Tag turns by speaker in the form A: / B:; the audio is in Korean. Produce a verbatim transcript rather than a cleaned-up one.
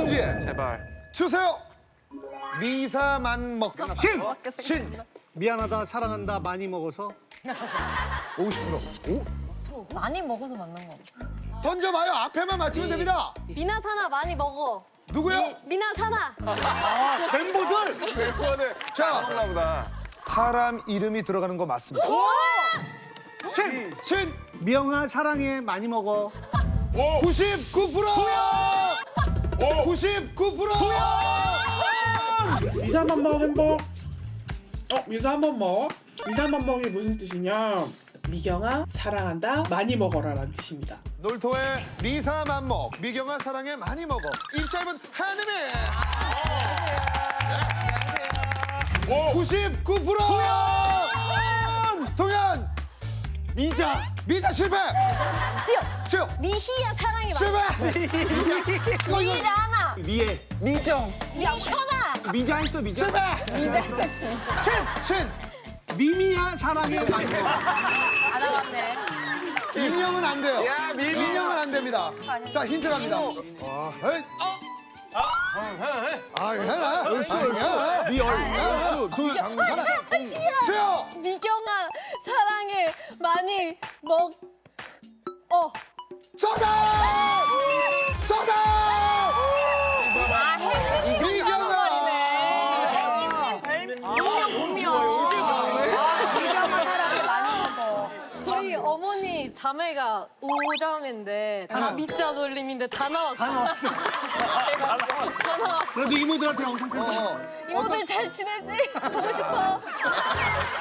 A: 문제
B: 제발.
A: 주세요. 미사만 먹.
C: 신!
A: 신.
C: 미안하다, 사랑한다, 많이 먹어서.
A: 오십 퍼센트.
D: 많이 먹어서 맞는 거.
A: 던져봐요. 앞에만 맞히면 됩니다.
D: 미나사나 많이 먹어.
A: 누구요?
D: 미나사나.
C: 멤버들!
A: 자,
B: 그런가 보다.
A: 사람 이름이 들어가는 거 맞습니다.
C: 신!
A: 신.
C: 미영아, 사랑해, 많이 먹어.
A: 구십구 퍼센트. 구십구 퍼센트.
E: 미사만먹 행복. 어, 미사만먹. 미사만먹이 무슨 뜻이냐? 미경아 사랑한다 많이 먹어라라는 뜻입니다.
A: 놀토의 미사만 먹. 미경아 사랑해 많이 먹어. 입짧은 한음이. 구십구 퍼센트. 동현.
C: 미자!
A: 미자 실패.
D: 지영.
A: 지금
D: 미희야 사랑이 많이.
A: 실패. 이거 이거
D: 미라나.
C: 미애.
B: 미정.
D: 미현아.
C: 미자 했어, 미자.
A: 실패. 신. 신.
C: 미미야, 사랑해, 많이 먹어.
D: 안 나갔네.
A: 인형은 안 돼요.
B: 야, 미미.
A: 인형은 안 됩니다. 자, 힌트 갑니다. 아, 헤이. 아, 괜찮아.
C: 얼쑤,
A: 아, 괜찮아.
C: 얼쑤. 미얼.
A: 얼쑤. 그 장사나. 지요.
D: 미경아 사랑해 많이 먹. 어.
A: 정답! 정답!
D: 아 혜민이
A: 미경아.
D: 미경아 사랑해 많이 먹어. 저희 어머니 자매가 오자매인데 다
A: 하나.
D: 미자 돌림인데 다 나왔어. 다 나왔어. 다 나왔어.
C: 그래도 이모들한테 엄청 큰
A: 어.
D: 이모들 잘 지내지? 보고 싶어.